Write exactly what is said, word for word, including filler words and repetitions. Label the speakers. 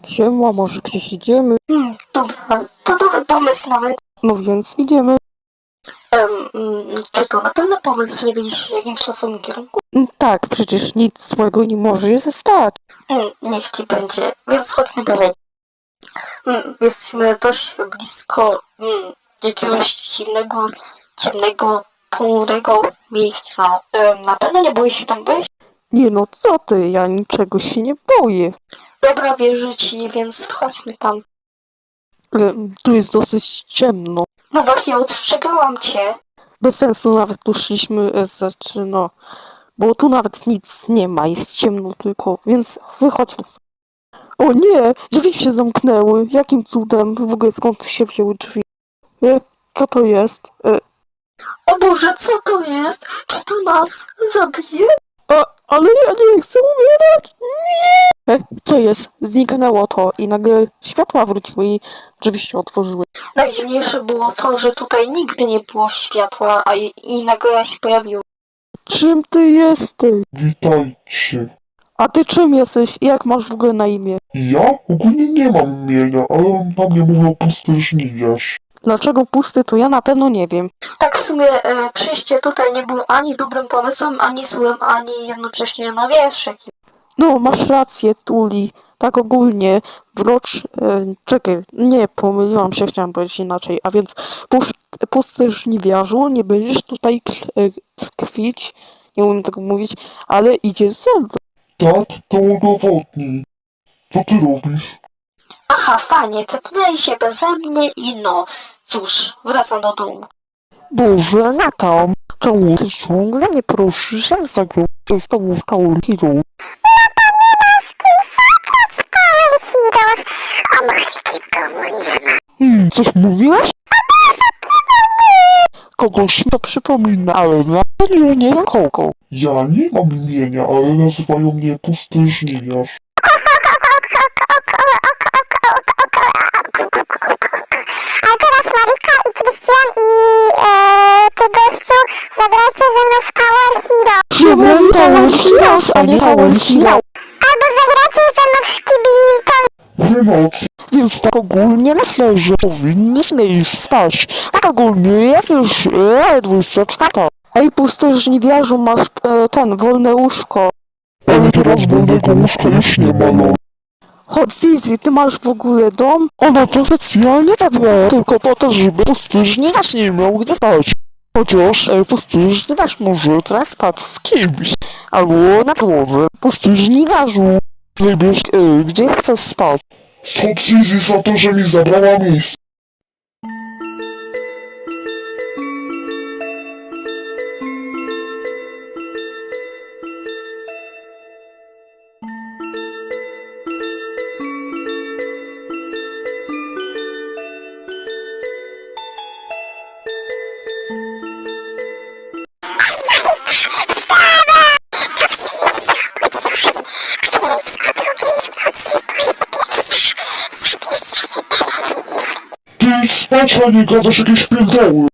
Speaker 1: Siema, może gdzieś idziemy?
Speaker 2: Hmm, dobra, to dobry pomysł nawet.
Speaker 1: No więc idziemy.
Speaker 2: Um, czy to na pewno pomysł, żeby iść w jakimś losowym kierunku?
Speaker 1: Mm, Tak, przecież nic złego nie może się stać.
Speaker 2: Hmm, niech ci będzie, więc chodźmy dalej. Hmm, jesteśmy dość blisko hmm, jakiegoś dziwnego, ciemnego, ponurego miejsca. Um, na pewno nie boisz się tam wejść?
Speaker 1: Nie no, co ty, ja niczego się nie boję.
Speaker 2: Dobra, wierzę ci, więc chodźmy tam.
Speaker 1: Ale tu jest dosyć ciemno.
Speaker 2: No właśnie, ostrzegałam cię.
Speaker 1: Bez sensu nawet tu szliśmy, e, znaczy no, bo tu nawet nic nie ma, jest ciemno tylko, więc wychodźmy. O nie, drzwi się zamknęły, jakim cudem, w ogóle skąd się wzięły drzwi? E, co to jest? E,
Speaker 2: O Boże, co to jest? Czy to nas zabije?
Speaker 1: a, ale ja nie chcę umierać! Nie! E, co jest? Zniknęło to i nagle światła wróciły i drzwi się otworzyły.
Speaker 2: Najdziwniejsze było to, że tutaj nigdy nie było światła, a i, i nagle się pojawiło.
Speaker 1: Czym ty jesteś?
Speaker 3: Witajcie.
Speaker 1: A ty czym jesteś i jak masz w ogóle na imię?
Speaker 3: Ja ogólnie nie mam imienia, ale na mnie mówią pusty żniwiarz.
Speaker 1: Dlaczego pusty, to ja na pewno nie wiem.
Speaker 2: Tak w sumie e, przyjście tutaj nie było ani dobrym pomysłem, ani złym, ani jednocześnie, no wiesz, jaki.
Speaker 1: No, masz rację, Tuli. Tak ogólnie, wrocz... E, czekaj, nie, pomyliłam się, chciałam powiedzieć inaczej. A więc, pusz, pusty żniwiarzu, nie będziesz tutaj k- e, tkwić, nie umiem tego mówić, ale idzie ze mną.
Speaker 3: Tak, to udowodnij. Co ty robisz?
Speaker 2: Aha, fajnie, tepnęli się beze mnie i no, cóż, wracam do domu.
Speaker 1: Boże, Natam, czemu ty ciągle nie prosisz sam zagrać z tobą w Tower Hero? Hmm, coś mówiłaś? Kogoś mi to przypomina, ale na pewno nie na kogo.
Speaker 3: Ja nie mam imienia, ale nazywają mnie pusty żniwiarz.
Speaker 4: A teraz Marika i Krystian i e, ty gościu zagracie ze mną w Tower Hero.
Speaker 1: Czemu Tower Heroes, a nie Tower Hero?
Speaker 4: Albo zagracie ze mną w Szkibika.
Speaker 3: Wymoc.
Speaker 1: Więc tak ogólnie myślę, że powinniśmy już spać. Tak ogólnie jest już e, dwudziesta czwarta. Ej, pusty żniwiarzu, masz e, ten, wolne łóżko.
Speaker 3: Ale teraz wolnego łóżka już nie ma, no.
Speaker 1: Chodź Zizi, ty masz w ogóle dom? Ona to specjalnie zabrała tylko po to, żeby pusty żniwiarz nie miał gdzie spać. Chociaż e, pusty żniwiarz może teraz spać z kimś. Albo na podłodze. Pusty żniwiarzu, wybierz e, gdzie chcesz spać.
Speaker 3: Schod Zizi za to, że mi zabrała miejsce. Ty idź spać, a nie gadasz jakieś pierdoły.